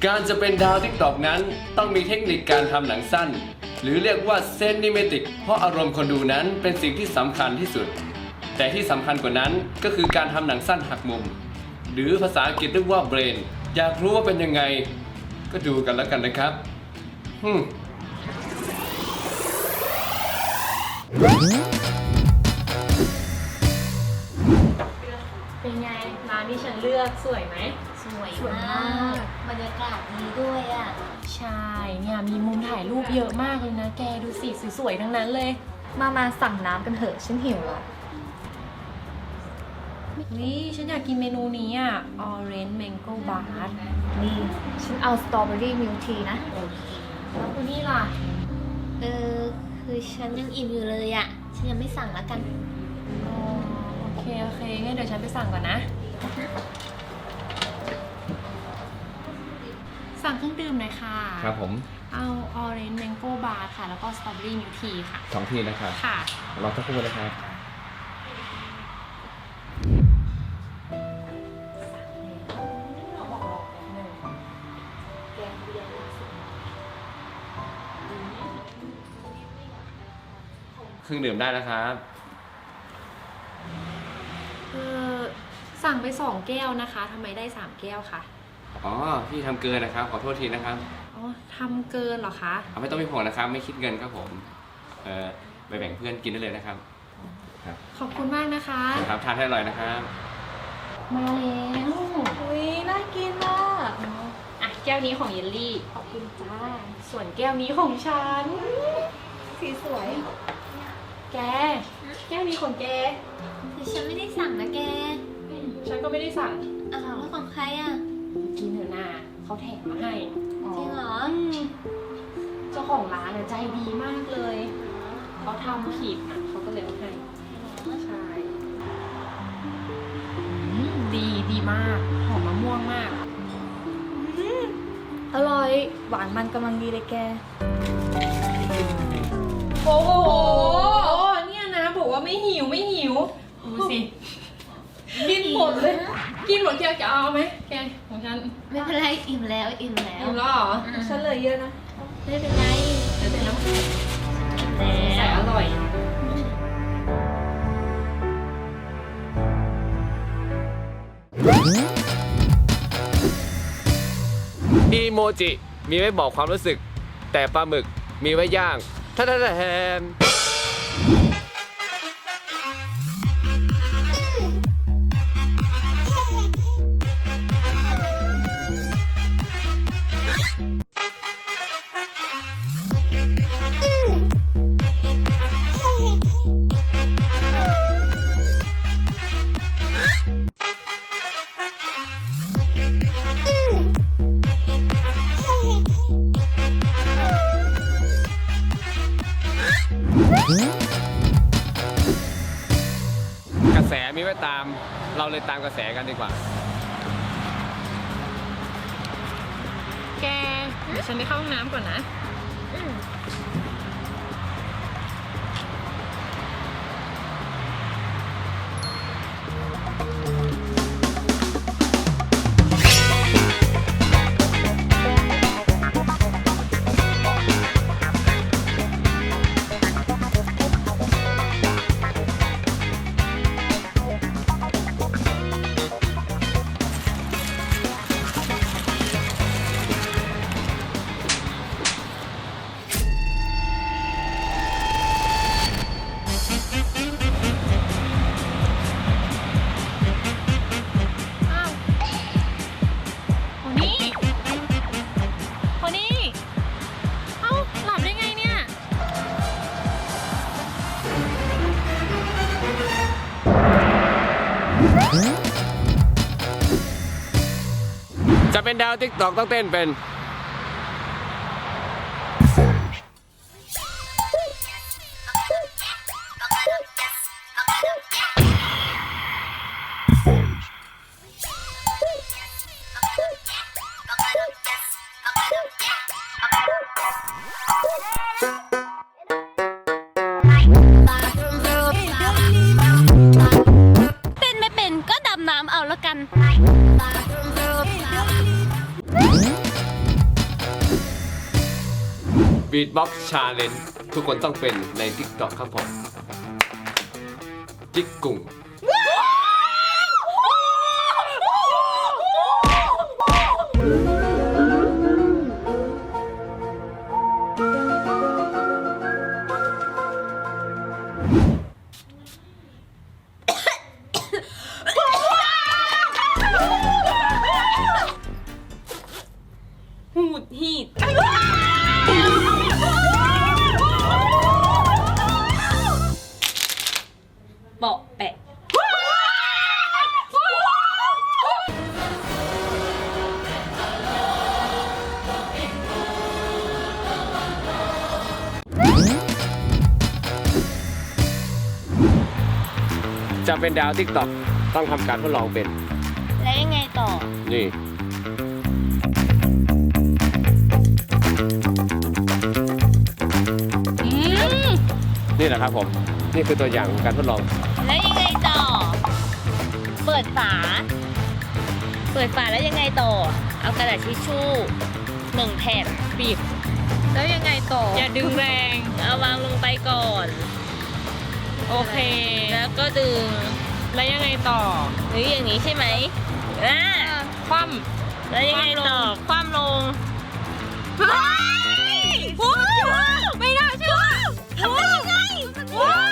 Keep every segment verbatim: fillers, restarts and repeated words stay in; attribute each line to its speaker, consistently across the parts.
Speaker 1: การจะเป็นดาวทิกตอกนั้นต้องมีเทคนิคการทำหนังสั้นหรือเรียกว่าเซนนิเมติกเพราะอารมณ์คนดูนั้นเป็นสิ่งที่สำคัญที่สุดแต่ที่สำคัญกว่านั้นก็คือการทำหนังสั้นหักมุมหรือภาษาอังกฤษเรียกว่าเบรนอยากรู้ว่าเป็นยังไงก็ดูกันแล้วกันนะครับฮึม
Speaker 2: เป็นไงร้านที่ฉันเลือกสวยไหม
Speaker 3: สวย
Speaker 2: สวย
Speaker 3: มาม
Speaker 2: าก
Speaker 3: กบรรยากาศดีด้วยอ่ะ
Speaker 2: ใช่เนี่ยมีมุมถ่ายรูปเยอะมากเลยนะแกดูสิสวยๆทั้งนั้นเลย
Speaker 4: มามาสั่งน้ำกันเถอะฉันหิวละ
Speaker 2: นี่ฉันอยากกินเมนูนี้อ่ะ Orange Mango Bar
Speaker 4: นี่ฉันเอาสตรอเบอรี่มิลทีนะ
Speaker 2: แล้วคุณนี่ล่ะ
Speaker 3: เออคือฉันยังอิ่มอยู่เลยอ่ะ ฉันยังไม่สั่งแล้วกัน
Speaker 2: อ๋อโอเคโอเคงั้นเดี๋ยวฉันไปสั่งก่อนนะสั่งเครื่องดื่มหน่อยค่ะ
Speaker 1: ครับผม
Speaker 2: เอา Orange Mango Bar ค่ะแล้วก็ Strawberry Milk Tea ค่ะ
Speaker 1: สองทีนะครับ
Speaker 2: ค่ะ
Speaker 1: รอสักครู่นะครับเครื่องดื่มได้นะครับ
Speaker 2: เออสั่งไปสองแก้วนะคะทำไมได้สามแก้วคะ
Speaker 1: อ๋อพี่ทำเกินนะครับขอโทษทีนะครับ
Speaker 2: อ๋อทำเกินเหรอคะ
Speaker 1: เอาไม่ต้องมีห่วงนะครับไม่คิดเงินครับผมเออไปแบ่งเพื่อนกินได้เลยนะครับครับ
Speaker 2: ขอบคุณมากนะคะ
Speaker 1: ครับทานให้อร่อยนะครับ
Speaker 2: มาแล้ว
Speaker 4: อุ้ยน่ากินมาก
Speaker 2: อ่ะแก้วนี้ของเยลลี่
Speaker 4: ขอบคุณจ้า
Speaker 2: ส่วนแก้วนี้ของฉัน
Speaker 4: สีสวย
Speaker 2: แกแก้วนี้ของแก
Speaker 3: คือฉันไม่ได้สั่งนะแก
Speaker 2: ฉันก็ไม่ได้สั่ง
Speaker 3: อ้าวแล้วของใครอ่ะ
Speaker 2: กินเถอะนาเขาแถมมาให้
Speaker 3: จริงเหรอ
Speaker 2: เจ้าของร้านน่ะใจดีมากเลยเขาทำผิดอ่ะเขาก็เลยเอาให้ใช่อืมดีดีมากหอมมะม่วงมาก
Speaker 4: อร่อย หวานมันกำลังดีเลยแก
Speaker 2: โอ้โหเนี่ยนะบอกว่าไม่หิวไม่หิวดูสิกินหมดเลยกินหมดแกจะเอาไหมแกของฉัน
Speaker 3: ไม่เป็นไรอิ่มแล้วอิ่มแล้ว
Speaker 2: อิ่มแล้วเหรอ
Speaker 4: ฉันเหลยเยอะนะ
Speaker 3: ไม่เป็นไร
Speaker 2: เดี๋ยวเดี๋ยวน้ำแข็ง
Speaker 3: อิ่ม
Speaker 2: ใส่
Speaker 3: แล้ว
Speaker 2: อร่อย
Speaker 1: อีโมจิมีไว้บอกความรู้สึกแต่ปลาหมึกมีไว้ย่างท่าท่าแทนกระแสมีไว้ตามเราเลยตามกระแสกันดีกว่า
Speaker 2: แกเดี๋ยวฉันไปเข้าห้องน้ำก่อนนะ
Speaker 1: จะเป็นดาวติ๊กตอกต้องเต้นเป็น
Speaker 3: เป็นไม่เป็นก็ดำน้ำเอาแล้วกัน
Speaker 1: Beatbox Challenge ทุกคนต้องเป็นใน TikTok ครับผม จิกกุ่ง
Speaker 2: หูดหีดเบาะแปะ
Speaker 1: จะเป็นดาว TikTok ต้องทำการทดลองเป็น
Speaker 3: แล้วยังไงต่อ
Speaker 1: นี่
Speaker 3: อืม
Speaker 1: นี่แหละครับผม นี่คือตัวอย่างของการทดลอง
Speaker 3: แล้วยังไงต่อ เปิดฝา เปิดฝาแล้วยังไงต่อ เอากระดาษทิชชู่หนึ่งแผ่น
Speaker 2: บีบแล้วยังไงต่อ อย่าดึงแรง
Speaker 3: เอาวางลงไปก่อน
Speaker 2: โอเค
Speaker 3: แล้วก็ดึง
Speaker 2: แล้วยังไงต่อ
Speaker 3: หรืออย่างนี้ใช่ไหมอ่า
Speaker 2: คว่
Speaker 3: แล้วยังไงต่อ คว่ำลง
Speaker 2: ำว้าวไม่น่าเชื่อทำได้ยังไงว้าว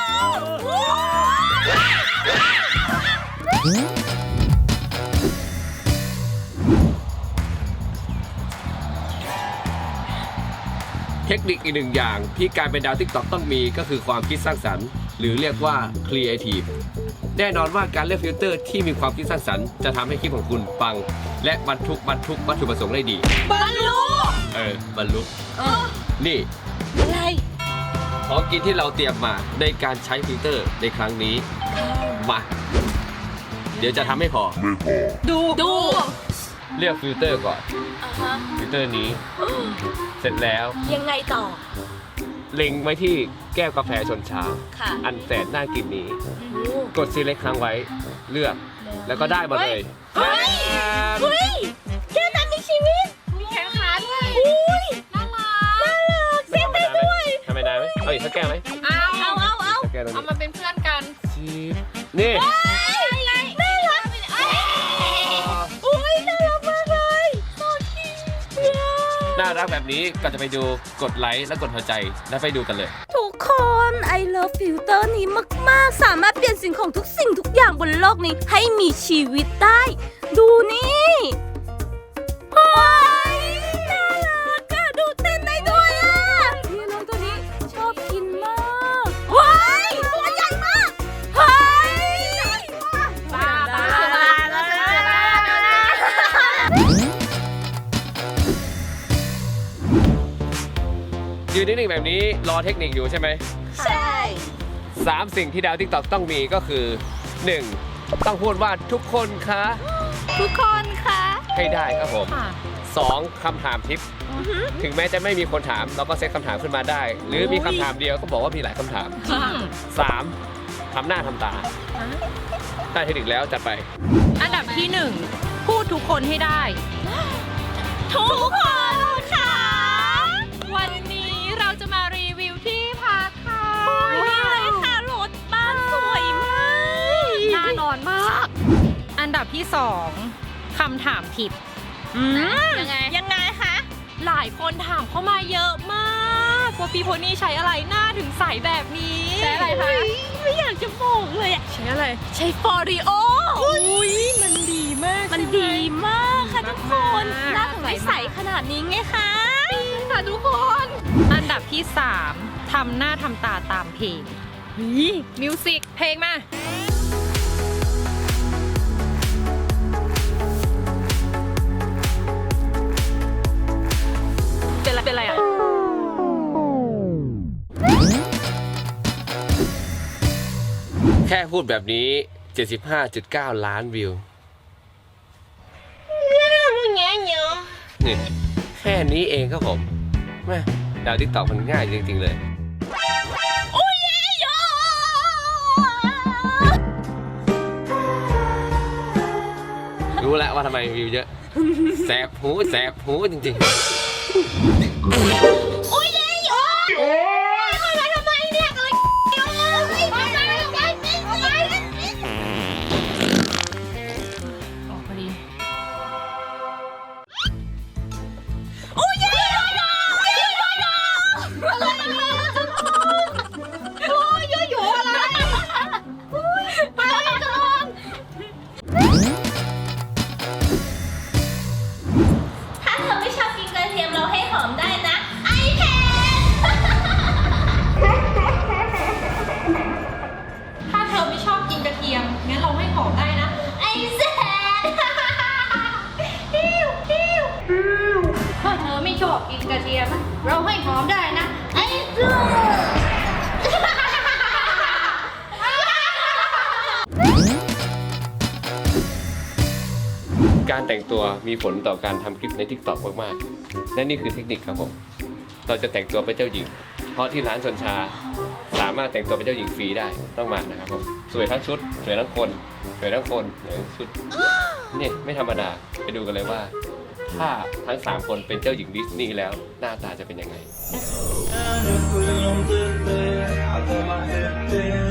Speaker 1: เทคนิคอีกหนึ่งอย่างที่การเป็นดาว TikTok ต้องมีก็คือความคิดสร้างสรรค์ หรือเรียกว่า Creative แน่นอนว่าการเลือกฟิลเตอร์ที่มีความคิดสร้างสรรค์จะทำให้คลิปของคุณปัง และบรรทุกบรรทุกวัตถุประสงค์ได้ดี
Speaker 2: บรรลุ
Speaker 1: เออบรรลุ
Speaker 3: เออ
Speaker 1: นี่
Speaker 3: อะไร
Speaker 1: ของกินที่เราเตรียมมาในการใช้ฟิลเตอร์ในครั้งนี้ มา เดี๋ยวจะทำให้พอ
Speaker 2: ดูดู
Speaker 1: เลือกฟิลเตอร์ก่อน
Speaker 3: อ่าฮะ
Speaker 1: ฟิลเตอร์นี้ เสร็จแล้ว
Speaker 3: ยังไงต่อ
Speaker 1: เล็งไว้ที่แก้วกาแฟชนชา
Speaker 3: ค่ะ
Speaker 1: อันแสนน่ากินนี้
Speaker 3: โอ้
Speaker 1: กดซีเล็กค้างไว้ เลือก แล้วก็ได้มาเลย
Speaker 3: เฮ้ย เฮ้ยแก้วนั้นมีชีวิต
Speaker 2: มีแขนขาด้วย
Speaker 3: อุ้ย
Speaker 2: น่ารัก
Speaker 3: น่ารักเต้นได้ด้วย
Speaker 1: ทำไมได้ไหมเอาอีกสักแก้วไหม
Speaker 2: เอา
Speaker 3: เอาเอาเอา
Speaker 1: สักแก้วตรง
Speaker 2: เอา
Speaker 1: นี้
Speaker 2: มาเป็นเพื่อนกัน
Speaker 1: ชีสนี่
Speaker 3: อะไรน่ารักเอ้ยอุ้ยน่ารักมากเลยโซคิว
Speaker 1: น่ารักแบบนี้ก็จะไปดูกดไลค์และกดหัวใจแล้วไปดูกันเลย
Speaker 5: ทุกคน I love filter นี้มาก ๆ สามารถเปลี่ยนสิ่งของทุกสิ่งทุกอย่างบนโลกนี้ให้มีชีวิตได้ ดูนี่เฮ้ยน่ารักอะดูเต้นได้ด้วยอะนี่น้องตัวนี้ชอบกินมากเฮ้ยตัวใหญ่มากเฮ้ย
Speaker 2: บ้าบ้า
Speaker 5: บ้าบ้าบ้า
Speaker 1: ยืนนิ่งๆแบบนี้รอเทคนิคอยู่ใช่ไหม
Speaker 5: ใช่
Speaker 1: สามสิ่งที่ดาว TikTok ต้องมีก็คือ หนึ่ง ต้องพูดว่าทุกคนคะ
Speaker 5: ทุกคนคะ
Speaker 1: ให้ได้ครับผม
Speaker 2: ค่ะ
Speaker 1: สอง คำถามทิป ถึงแม้จะไม่มีคนถามเราก็เซตคำถามขึ้นมาได้ หรือมีคำถามเดียวก็บอกว่ามีหลายคำถาม สาม ทำหน้าทำตาได้เทคนิคแล้วจัดไป
Speaker 2: อันดับที่หนึ่งพูดทุกคนให้ได้
Speaker 5: ทุกคนค่ะ
Speaker 2: วันนี้เราจะมารีวิวที่พักค่ะ
Speaker 5: นี่เลยค่ะรถบ้านสวยมาก
Speaker 2: น่านอนมาก อันดับที่สองคำถามผิด
Speaker 5: ยังไง ยังไงคะ
Speaker 2: หลายคนถามเข้ามาเยอะมากว่าพี่โพนี่ใช้อะไรหน้าถึงใสแบบนี้
Speaker 5: ใช้อะไรคะ ไม่อยากจะบอกเลยอะ
Speaker 2: ใช้อะไร
Speaker 5: ใช้ฟอริโอ
Speaker 2: อุ้ยมันดีมาก
Speaker 5: มัน
Speaker 2: ใช่ไห
Speaker 5: ดีมากค่ะทุกคน
Speaker 2: มาก
Speaker 5: หน้าถึงไม่ใสขนาดนี้ไงคะ
Speaker 2: ค่ะทุกคน อันดับที่สามทำหน้าทำตาตามเพลงมิวสิกเพลงมา เป็นอะไรเป็นอะไรอ่ะ
Speaker 1: แค่พูดแบบนี้ เจ็ดสิบห้าจุดเก้า ล้านวิว นี่แค่นี้เองครับผมแม่ดาว TikTok มันง่ายจริง ๆ เลย รู้แล้วว่าทำไมวิวเยอะ แสบหูแสบหูจริง ๆ
Speaker 5: โอ้ย
Speaker 4: กินกระเทียมนะเราให้หอมได้นะ ไอ้จู
Speaker 1: การแต่งตัวมีผลต่อการทำคลิปใน TikTok มากๆ และนี่คือเทคนิคครับผม เราจะแต่งตัวเป็นเจ้าหญิง เพราะที่ร้านชนชา สามารถแต่งตัวเป็นเจ้าหญิงฟรีได้ ต้องมานะครับผม สวยทั้งชุด สวยทั้งคน สวยทั้งคนสวยทั้งชุด นี่ไม่ธรรมดา ไปดูกันเลยว่า ถ้าทั้งสามคนเป็นเจ้าหญิงดิสนีย์แล้วหน้าตาจะเป็นยังไง
Speaker 6: And if we don't get there, I put my head there.